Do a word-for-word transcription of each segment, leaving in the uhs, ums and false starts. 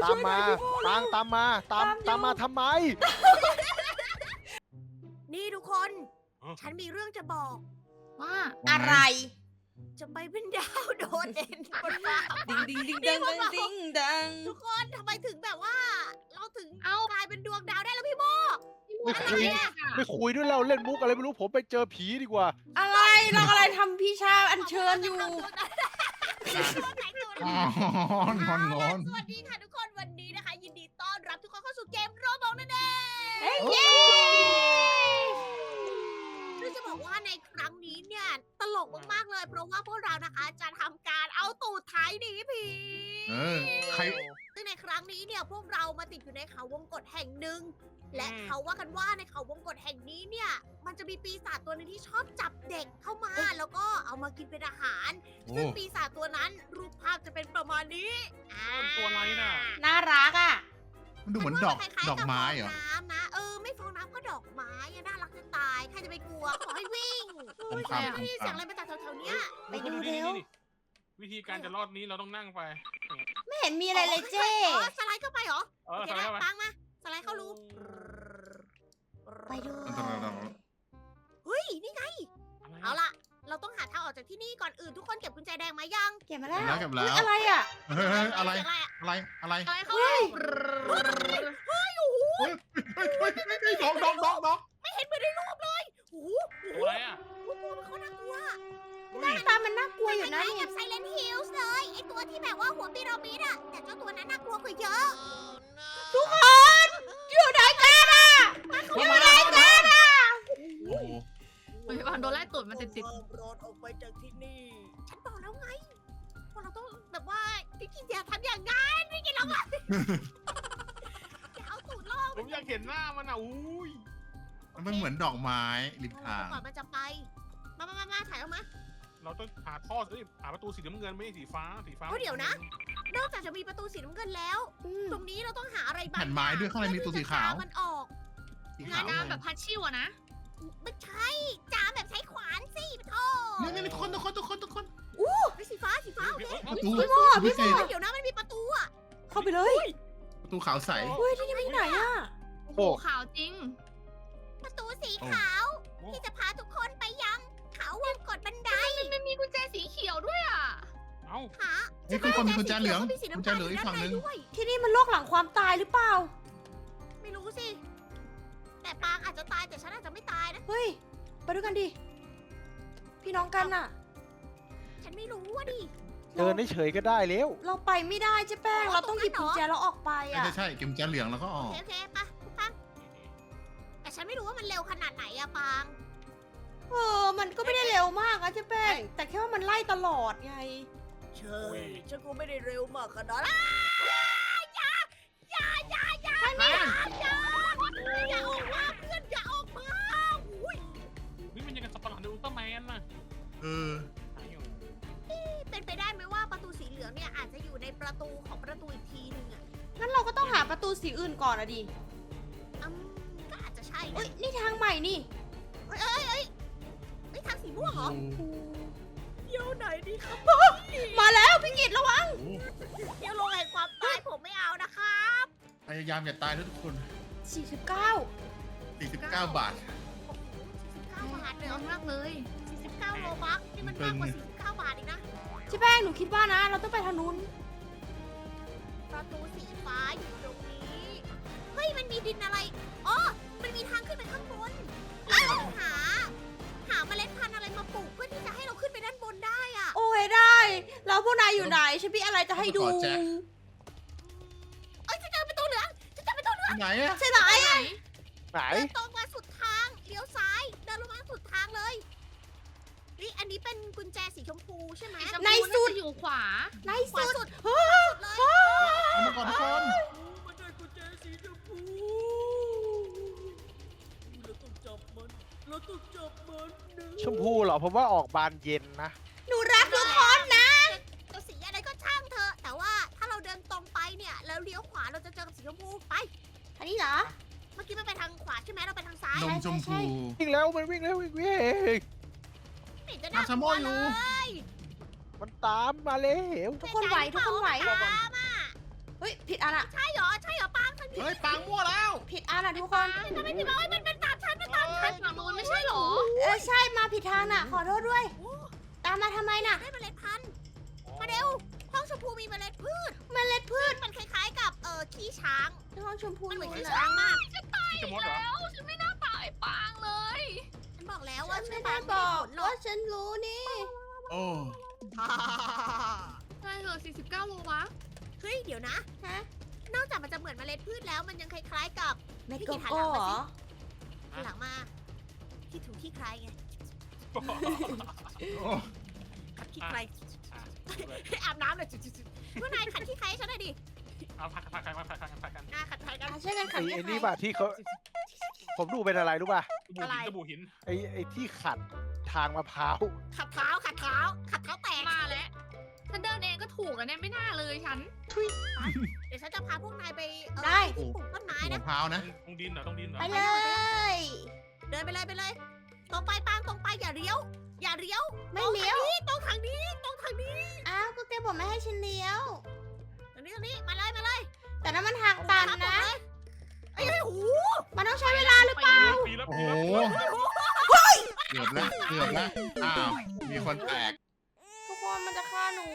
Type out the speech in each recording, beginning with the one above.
ตามมาปางตามมาตามตามมาทำไมนี่ทุกคน ฉันมีเรื่องจะบอกว่าอะไรจะไปเป็นดาวโดดเด่นบนฟ้าดิงดิงดิงดังดังดิงดังทุกคนทำไมถึงแบบว่า เราถึงเอากลายเป็นดวงดาวได้แล้วพี่โมไม่อะไรคุยเนี่ยไม่คุยด้วยเราเล่นมุกอะไรไม่รู้ผมไปเจอผีดีกว่าอะไรเราอะไรทำพี่ชาอัญเชิญอยู่ตัวไหนตัวไหนงอนงอนงอนสวัสดีค่ะทุกคนวันนี้นะคะ ยินดีต้อนรับทุกคนเข้าสู่เกมโรบอทนั่นเองเย้ซึ่งจะบอกว่าในครั้งนี้เนี่ยตลกมากๆเลย เพราะว่าพวกเรานะคะจะทำการเอาตูดไถหนีผีเออใครซึ่งในครั้งนี้เนี่ยพวกเรามาติดอยู่ในเขาวงกตแห่งหนึ่ง และเขาว่ากันว่าในเขาวงกตแห่งนี้เนี่ย มันจะมีปีศาจตัวหนึงที่ชอบจับเด็กเข้ามา แล้วก็เอามากินเป็นอาหารโอ้ซึ่งปีศาจตัวนั้นรูปภาพจะเป็นประมาณนี้อ่าตัวอะไรน่ะน่ารักอ่ะมันดูเหมือนดอกคล้ายๆดอกไม้เหรอบฟงน้ำนะเออไม่ฟองน้ำก็ดอกไม้อะน่ารักจะตายใครจะไปกลัวขอให้วิ่งผมคำผมนี่เสียงคำอะไรมาจากแถวๆเนี้ยไปดูเร็วนี่ๆวิธีการจะรอดนี้เราต้องนั่งไปไม่เห็นมีอะไรเลยเจ้อ๋อสไลด์เข้าไปเหรอเอโออเคทำไมนะทำไมปังมาสไลด์เข้ารูไปดูเฮ้ยนี่ไงเอาล่ะ เราต้องหาทางออกจากที่นี่ก่อนอื่นทุกคนเก็บกุญแจแดงมายังเก็บมาแล้วเก็บแล้วอุ๊ยอะไรอ่ะเฮ้ยเฮ้ยอะไรเสียงอะไรอะอะไรอะไรอะไรเขาเฮ้ยเฮ้ยโอ้โหเฮ้ยเฮ้ยเฮ้ยเฮ้ยดอกดอกดอกดอกไม่เห็นเหมือนในรูปเลยโอ้โหโอ้โหตัวอะไรอ่ะตัวมันเขาน่ากลัวหน้าตามันน่ากลัวอยู่นะคล้ายๆนี่กับไซเลนฮิลส์เลยไอตัวที่แบบว่าหัวพีระมิดอะแต่เจ้าตัวนั้นน่ากลัวกว่าเยอะทุกคนอยู่ไหนกันอ่ะอยู่ไหนกันอ่ะโอ้โหเฮ้ยวันโดนไล่ตูดมาติดติดรอดออกไปจากที่นี่ ฉันบอกแล้วไงว่าเราต้องแบบว่าพี่กินอย่าทำอย่างนั้นพี่กินเราอะอย่าเอาตูดล่อผมอยากเห็นหน้ามันอ่ะอุ้ยมันเหมือนดอกไม้ริมทางก่อนมันจะไป มามามามาถ่ายออกมาเราต้องหาท่อสิหาประตูสีน้ำเงินไม่ใช่สีฟ้าสีฟ้าเฮ้ยเดี๋ยวนะ นอกจากจะมีประตูสีน้ำเงินแล้วอืมตรงนี้เราต้องหาอะไรบางแผ่นไม้ด้วยข้างในมีตัวสีขาวเพื่อที่จะจมันออกสีงาขาน วน้ำแบบพัชชิวอะนะไม่ใช่จามแบบใช้ขวานสิปะโทนี่นี่ทุกคนทุกคนทุกคนทุกคนไปสีฟ้าสีฟ้าโอเคประตูพี่โม่พี่พิโม่เศษเดี๋ยวนะมันมีประตูอะเข้าไปเลยประตูขาวใสเฮ้ยที่นี่มันที่ไหนอ่ะโอ้โหขาวจริงประตูสีขาว ที่จะพาทุกคนไปยังเขาวงกดบันไดมันไม่มีกุญแจสีเขียวด้วยอ่ะเอ้าหาเฮ้ยคุณคนมีกุญแจเหลืองก็มีสีกุญน้ำแจตาลเหลืองอีกฝั่งหนึ่งด้าใด้วยที่นี่มันโลกหลังความตายหรือเปล่าไม่รู้สิ แต่ปางอาจจะตายแต่ฉันอาจจะไม่ตายนะเฮ้ยไปด้วยกันดิพี่น้องกันอ่ะฉันไม่รู้ว่าดิเดินเฉยๆก็ได้แล้วเราไปไม่ได้เจ๊แป้ง เราต้องหยิบกุญแจแล้วออกไปใช่อ่ะใช่ใช่เก็บกุญแจเหลืองแล้วก็อโออกเคโอเคปะปะแต่ฉันไม่รู้ว่ามันเร็วขนาดไหนอะปางเออ มันก็ไม่ได้เร็วมากอะเจ๊แป้ง แต่แค่ว่ามันไล่ตลอดไงเชยฉันก็ไม่ได้เร็วมากขนาดนั้นอย่าอย่าอย่าอย่าอย่าอย่าอย่าออกมาเพื่อนอย่าออกมาอุ้ยนี่มันยังกับสับปะหลังในอุลตร้าแมนน่ะเออเป็นไปได้ไหมว่าประตูสีเหลืองเนี่ยอาจจะอยู่ในประตูของประตูอีกทีหนึงอะงั้นเราก็ต้องหาประตูสีอื่นก่อนอะดิอืมก็อาจจะใช่เอ้นะย นี่ทางใหม่นี่เอ้ยเอ้ยเอ้ยเอ้ยทางสีม่วงเหรอเดี๋ยวไหนดีครับมาแล้วพี่กิตระวังโอ้เดี๋ยวลงแห่งความตายผมไม่เอานะครับพยายามอย่าตายนะทุกคนสี่สิบเก้าสี่สิบเก้าบาทโอ้โหสี่สิบเก้าบาทเลยน้เหรอองมากเลยสี่สิบเก้าโลบัคนี่มันมากกว่าสี่สิบเก้าบาทอีกนะเจ๊แป้งหนูคิดว่านะ เราต้องไปทางนู้นประตูสีฟ้าอยู่ตรงนี้ เฮ้ย มันมีดินอะไร อ๋อ มันมีทางขึ้นไปข้างบนเราต้องหา หาเมล็ดพันธุ์อะไรมาปลูกเพื่อที่จะให้เราขึ้นไปด้านบนได้อะโอ้ยได้ แล้วพวกนายอยู่ไหน ฉันมีอะไรจะให้ดูขอแจ็คเอ้ยจะเจอประตูเหลืองจะเจอประตูเหลืองที่ไหนอะใช่ไหมไหนไหนเดินตรงมาสุดทาง เลี้ยวซ้าย เดินลงมาสุดทางเลย นี่อันนี้เป็นกุญแจสีชมพูใช่ไหมสีชมพูในสุดาจะอยู่ขวาในขวาสุดสุดเฮ้ยสุดเลยเอามาก่อนทุกคนมันได้กุญแจสีชมพูเราต้องจับมัน เราต้องจับมันนะชมพูเหรอผมว่าออกบานเย็นนะหนูรักทุกคนนะจะสีอะไรก็ช่างเถอะ แต่ว่าถ้าเราเดินตรงไปเนี่ย แล้วเลี้ยวขวาเราจะเจอกับสีชมพู ไปอันนี้เหรอเมื่อกี้มันไปทางขวาใช่ไหมเราไปทางซ้ายนมชมพูวิ่งแล้วมันวิ่งแล้ววิ่งวิ่งไม่เห็นจะน่ามาชะโม่อยู่เลยมันตามมาแล้วทุกคนไหวทุกคนไหวตามอ่ะเฮ้ยผิดอันอะใช่เหรอใช่เหรอปังทางนี้เฮ้ยปังมั่วแล้วผิดอันอะทุกคนทำไมพี่บอกว่ามันเป็นตามฉันมันตามทางฝั่งนู้นไม่ใช่เหรอเออใช่มาผิดทางน่ะ ขอโทษด้วย ตามมาทำไมน่ะได้เมล็ดพันธุ์มาเร็วห้องชมพูมีเมล็ดพืชเมล็ดพืชมันคล้ายๆกับเอ่อขี้ช้างห้องชมพูมันเหมือนนู้ขี้นช้างน่ะมากพี่จะมดเหรอแล้วฉันไม่น่าตายปางเลยฉันบอกแล้วฉัว่านไม่ชื่อได้ปังบไม่อได้กผลหรอว่าก ฉันรู้นี่โอ้ใช่เหรอสี่สิบเก้าโลวะเฮ้ยเดี๋ยวนะฮะนอกจากมันจะเหมือนเมล็ดพืชแล้วมันยังคล้ายๆกับเมโกโก้เหรอหันหลังมาที่ถูกที่ใครไงโอ้ขัดขี้ใครอ่ะอาบน้ำเลยจุดๆๆพวกนายขัดขี้ใครให้ฉันหน่อยดิเอาพักกันพักกันพักกันพักกันอ่ะขัดใครกันอ่ะช่วยกันขัไอ้ดไอ้ให้นี่ใครป่ะที่เขาผมดูเป็นอะไรรู้ป่ะสบู่หินสบู่หินไอ้ไอ้ที่ขัดทางมะพร้าวขัดเท้าขัดเท้าขัดเท้าแตกมาแล้วฉันเดินเองก็ถูกแล้วเนี่ยไม่น่าเลยฉันเดี๋ยวฉันจะพาพวกนายไปเอ่อได้ที่ปลูกต้นไม้มะนะพร้าวนะตรงดินเหรอตรงดินเหรอไปเลยเดินไปเลยไปเลย ตรงไปปางตรงไปอย่าเลี้ยว อย่าเลี้ยวไม่เลี้ยวตรงทางนี้ตรงทางนี้อ้าวก็แกบอกไม่ให้ฉันเลี้ยวตรงนี้ตรงนี้มาเลยมาเลยแต่นั้นมันทางตันนะไอ้ยหูมันต้องใช้เวลาหรือเปล่าปีแล้วโอ้ปีโหแล้วเกือบแล้วเกือบแล้วอ้าวมีคนแตกทุกคนมันจะฆ่าหนู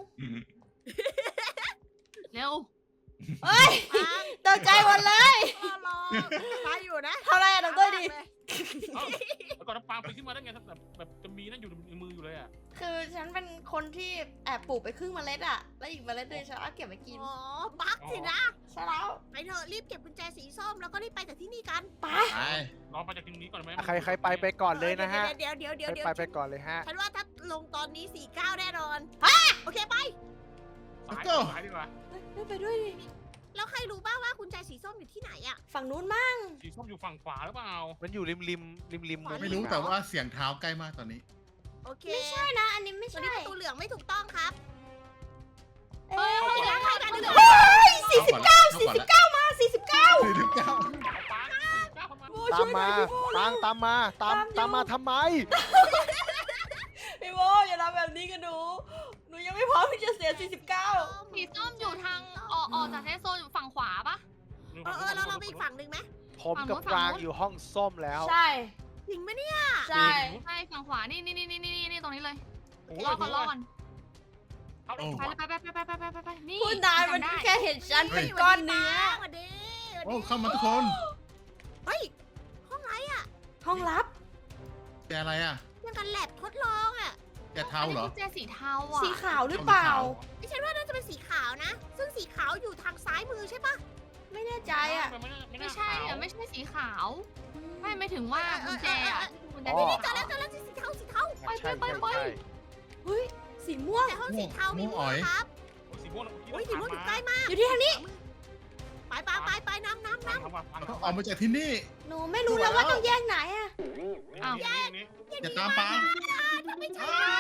เร็วเฮ้ยปางตกใจหมดเลยรอรอมาอยู่นะเท่าไรอะดรดีแล้วก็น้ำปลาไปขึ้นมาได้ไงแบบแบบจะมีนั่นอยู่ในมืออยู่เลยอ่ะคือฉันเป็นคนที่แอบปลูกไปครึ่งเมล็ดอะแล้วอีกเมล็ดหนึงฉันเอาเก็บไว้กินอ๋อ บักสินะใช่แล้วไปเถอะรีบเก็บกุญแจสีส้มแล้วก็รีบไปจากที่นี่กันไปไปลองไปจากตรงนี้ก่อนไหมใครใครไปไปก่อนเลยนะฮะเดี๋ยวเดี๋ยวเดี๋ยวใครเดี๋ยวไปไปก่อนเลยฮะฉันว่าถ้าลงตอนนี้สี่เก้าแน่นอน โอเคไปสายสายดีกว่าเฮ้ยไปด้วยดิแล้วใครรู้บ้างว่ากุญแจสีส้มอยู่ที่ไหนอะฝั่งนู้นมั่งสีส้มอยู่ฝั่งขวาหรือเปล่ามันอยู่ริมริมริมริมไม่รู้แต่ว่าเสียงเท้าใกล้มากตอนนี้โอเคไม่ใช่นะ อันนี้ไม่ตัวใช่นี้ประตูเหลืองไม่ถูกต้องครับเอ้ยเข้าไปเข้ากันเฮ้ยสี่สิบเก้าสี่สี่สิบเก้ามาสี่สิบเก้าสี่สิบเก้าปางก้าวเข้ามาตามมาตามตามมาตามตามมาทำไมพี่โบอย่าทำแบบนี้กับหนู หนูยังไม่พร้อมที่จะเสียสี่สิบเก้าสีส้มอยู่ทางออกออกจากเซฟโซนอยู่ฝั่งขวาปะเออเออเราเราไปอีกฝั่งหนึ่งไหมผมกับปรางอยู่ห้องส้มแล้วใช่จริงไหมเนี่ยใช่ใช่ฝั่งขวานี่นี่นี่นี่นี่นี่ตรงนี้เลยโอ้รอก่อนรอก่อนเข้าโอ้ไปเลยไปไปไปไปไปไปไปนี่พูดนานมันจำได้แค่เห็นฉันเป็นก้อนเนื้อสวัสดีสวัสโอ้ดีเข้ามาทุกคนเฮ้ย ห้องไรอะห้องลับแกอะไรอ่ะยังกันแลบทดลองอะแกเท้าเหรอนนี้กุญแจสีเทาอ่ะสีขาวหรือเปล่าดิฉันว่าน่าจะเป็นสีขาวนะ ซึ่งสีขาวอยู่ทางซ้ายมือใช่ปะไม่แน่ใจอ่ะไม่ใช่อ่ะไม่ใช่สีขาว ไม่ไม่ถึงว่ากุญแจอ่ะกุญแจอ๋อสีนี่เจอขาวแล้วเจอแล้วสีเทาสีเทาใช่ใช่ใช่ใช่เฮ้ย สีม่วงแต่ห้องสีเทามีม่วงอ๋อยครับสีม่วงโอ้ยสีม่วงอยู่ใกล้มากอยู่ที่ทางนี้ไปไปไปไปน้ำน้ำน้ทำมาฟังต้องออกมาจากที่นี่หนูไม่รู้แล้วว่าต้องแยกไหนอ่ะอ้าวนี้ำอย่าตามปางจะไม่ใช่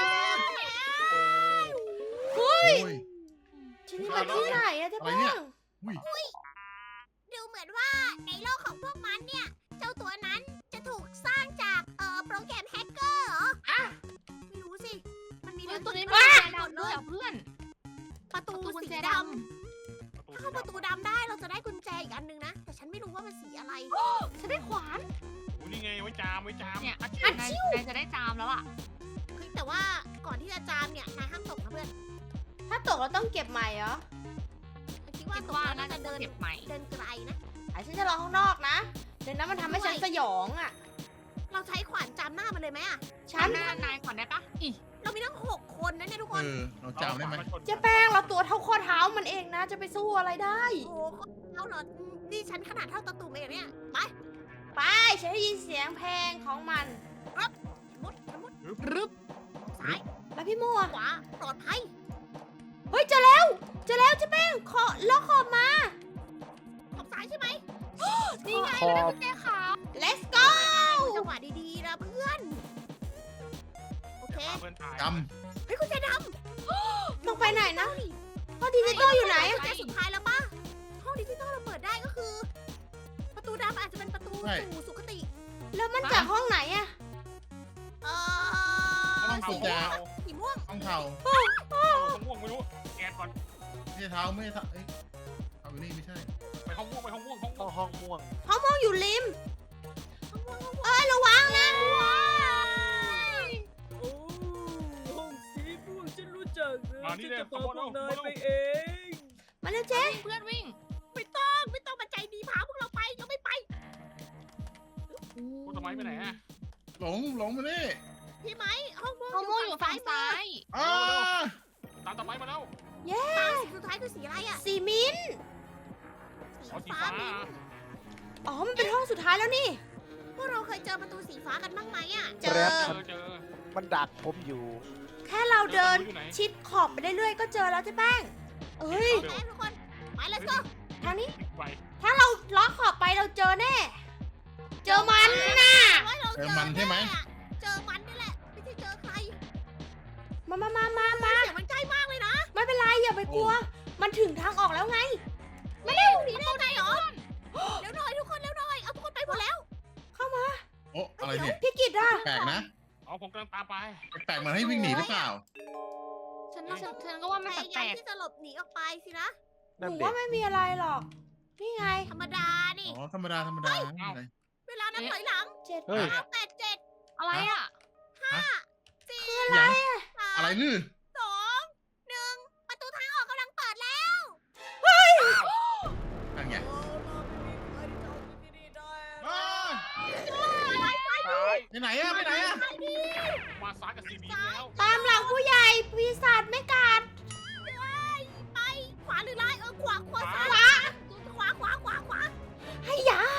เฮ้ยโอ้ยที่นี่มันที่ไหนอะเจ๊อะไรแป้เนี่ยงอุ้ยดูเหมือนว่าในโลกของพวกมันเนี่ย เจ้าตัวนั้นจะถูกสร้างจากเอ่อโปรแกรมแฮกเกอร์เหรออ่ะไม่รู้สิ มันมีเฮ้ยตัวนี้มีมีกุญแจหมดดำเลด้วยยอ่ะเพื่อนประตูประตูกุญสีแจดดำเข้าประตูดำได้เราจะได้กุญแจอีกอันนึงนะ แต่ฉันไม่รู้ว่ามันสีอะไรำฉันได้ขวานอุ้ยนี่ไงไว้จามไว้จามเนี่ยนายนายจะได้จามแล้วล่ะเฮ้ยแต่ว่าก่อนที่จะจามเนี่ยนายห้ามตกนะเพื่อนถ้าตกเราต้องเก็บใหม่เหรอคิดว่าคิดตกว่าแล้วน่าน่าจะจะเดินเก็บใหม่เดินไกลนะไอ้ฉันจะรอข้างนอกนะ เดี๋ยวนั้นมันทำให้ฉันสยองอ่ะเราใช้ขวานจามหน้ามันเลยไหมอะฉันหน้านายขวานได้ปะอีเรามีทั้งหกคนนะเนี่ยทุกคเอน อเราจำได้ไหมเจ๊แป้งเราตัวเท่าข้อเท้ามันเองนะ จะไปสู้อะไรได้โอ้โหเอาเหรอนี่ฉันขนาดเท่าตะตุ่มเองเนี่ยไปไป ฉันได้ยินเสียงเพลงของมันมุดมุดรึบซ้ายแล้วพี่โมอะขวาปลอดภัยเฮ้ยเจอแล้วเจอแล้วเจ๊แป้งขอล็อกขอบมาขอบซ้ายใช่ไหมนี่ไงขอบได้กุญแจขาว let's go จังหวะดีๆนะเพื่อน โอเคเพื่อนตายจเฮ้ยกุญแจดต้องไปไหนำนะเอาดิพ่อดิจิตอลอยู่ไหนกุญแจสุดท้ายแล้วป่ะ ห้องดิจิตอลเราเปิดได้ก็คือ ประตูดำอาจจะเป็นประตูสู่สุคติแล้วมันจากห้องไหนอะเอ่ำอต้องสีกุญแจม่วงสีม่วงต้องเท้าม่วงไม่รู้แกนก่อนไม่ใช่เท้าไม่ใช่เท้าเอ้ยอยู่นี่ไม่ใช่ไปห้องม่วงไปห้องม่วงห้องม่ห้วอง งห้องม่วงห้องม่วงอยู่ริมเอ้ยระวังนะโอ้ห้องสีม่วงฉันรู้จักนะมาฉันี่นเลยจะขพาโมพยว เอากขนาโมยยเอาไปเองมาเร็วเจ๊เพื่อนวิ่งไม่ต้องไม่ต้องมาใจดีพาพวกเราไปยังไม่ไปโอ้ทำไมไปไหนอะหลงหลงมานี่พี่ไหมห้องม่วงห้องม่วงอยู่ฝั่งซ้ายอ้าตามต่อไปมาแล้วตาสีสุดท้ายคือสีอะไรอ่ะสีมิ้นท์อ๋อสีสีฟ้าฟ้ามิ้นอะท์อ๋อมันเป็นห้องสุดท้ายแล้วนี่พวกเราเคยเจอประตูสีฟ้ากันบ้างไหมอ่ะเจแรอปเจอเจอมันดักผมอยู่แค่เราเดินอยู่ไหนชิดขอบไปเรื่อยๆก็เจอแล้วเจ๊แป้งเอ้ยแม่ทุกคนไป let's go ทางนี้ไปถ้าเราล้อขอบไปเราเจอแน่ เจอมันน่ะเจอมันใช่ไหมเจอมันนี่แหละไม่ใช่เจอใครมามามามามาเสียงมันใกล้มากเลยนะไม่เป็นไรอย่าไปกลัว มันถึงทางออกแล้วไงไม่ได้หนีได้ไงเหรอเร็วหน่อยทุกคนเร็วหน่อยเอาทุกคนไปหมดแล้วเข้ามาโอ้อะไรเนี่ยพี่กิตอ่ะแปลกนะเอาผมกำลังตามไปแปลกเหมือนให้วิ่งหนีหรือเปล่าฉันฉันฉันก็ว่าพมันยาแปยามลกที่จะหลบหนีออกไปสินะหนั่นนูเด็ว่าก ไม่มีอะไรหรอก นี่ไงธรรมดานี่อ๋อธรรมดาธรรมดาไม่เป็นไรเวลานับถอยหลังเจ็ดเฮ้ยห้าแปดเจ็ดๆอะไรอ่ะสี่ยังสาอะไรมลือสองหนึ่งประตูทางออกกำลังเปิดแล้วนั่นไงโอ้เราไม่มีใครจะเอาที่นี่ได้อ้าซ้ายไปไหนอะไปไหนอะมาซ้ายกับซีบีแล้วตามหลังผู้ใหญ่ปีศาจไม่กัดไปขวาหรือไล่เออขวาขวาซ้ายขวาขวาขวาขวาให้ยา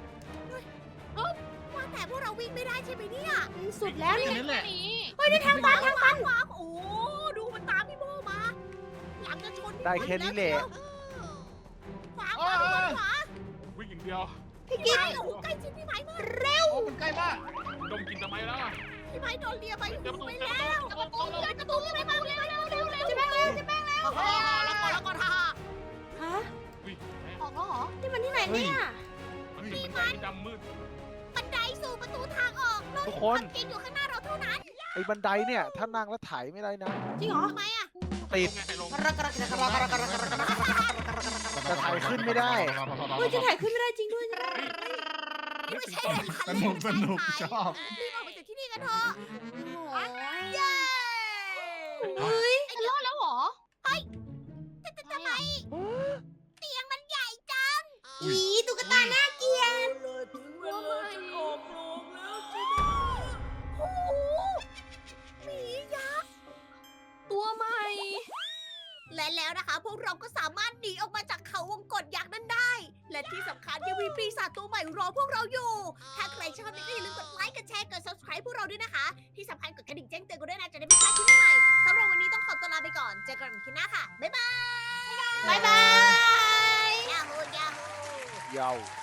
ว่าแต่พวกเราวิ่งไม่ได้ใช่ไหมเนี่ยมันสุดแล้วแค่นี่นั้นแหละนี้เฮ้ยนี่ทางตันทางตันขวาโอ้ดูมันตามพี่โมมาหลังจะชนได้แค่นี้แหละขวาขวาขวาขวาวิ่งอย่างเดียวพี่พี่กิตไม้โอ้โหใกล้ชิดพี่ไม้มากโอ้มันใกล้มากดมกลินทำไมแล้วอะพี่ไม้โดนเลียไปเจอประตูไปเจอแล้วประตูเจอประตูเจอกระตุ้นพี่ไม้มาเร็วเร็วเร็วเร็วจะแป้งเร็วจะแป้งเร็วโอ้โหแล้วก็แล้วก็ท่าฮะวิ่งออกแล้วเหรอนี่มันที่ไหนเนี่ยมันเป็นบันไดดำมืดบันไดสู่ประตูทางออกโลกทุกแห่งคคน วามจริงอยู่ข้างหน้าเราเท่านั้นไอ้บันไดเนี่ย ถ้านั่งแล้วไถ่ายไม่ได้นะจริงเหรอทำไมอ่ะติดไงใครลงมันจะไถ่ายขึ้นไม่ได้เฮ้ยจะถ่ายขึ้นไม่ได้จริงด้วยนี่ไม่ใช่สนุกสนุกชอบรีบออกไปจากที่นี่กันเถอะโอ้ยเย้เฮ้ยไอ้รอดแล้วเหรอแต่แต่ทำไมเตียงมันใหญ่จังอีตุ๊กตาหน้าเกลียดเลยถึงเวลาฉันออกโรงแล้วจ้ะโอ้โหหมียักษ์ตัวใหม่และแล้วนะคะ พวกเราก็สามารถหนีออกมาจากเขาวงกฏยักษ์นั้นได้ และที่สำคัญยังมีปีศาจตัวใหม่รอพวกเราอยู่ ถ้าใครชอบก็อย่าลืมกดไลค์กดแชร์กด subscribe พวกเราด้วยนะคะ ที่สำคัญกดกระดิ่งแจ้งเตือนกันด้วยนะจะได้ไม่พลาดคลิปใหม่ๆสำหรับวันนี้ต้องขอตัวลาไปก่อนเจอกันคลิปหน้าค่ะบ๊ายบายบ๊ายบายยาฮูยาฮูยาว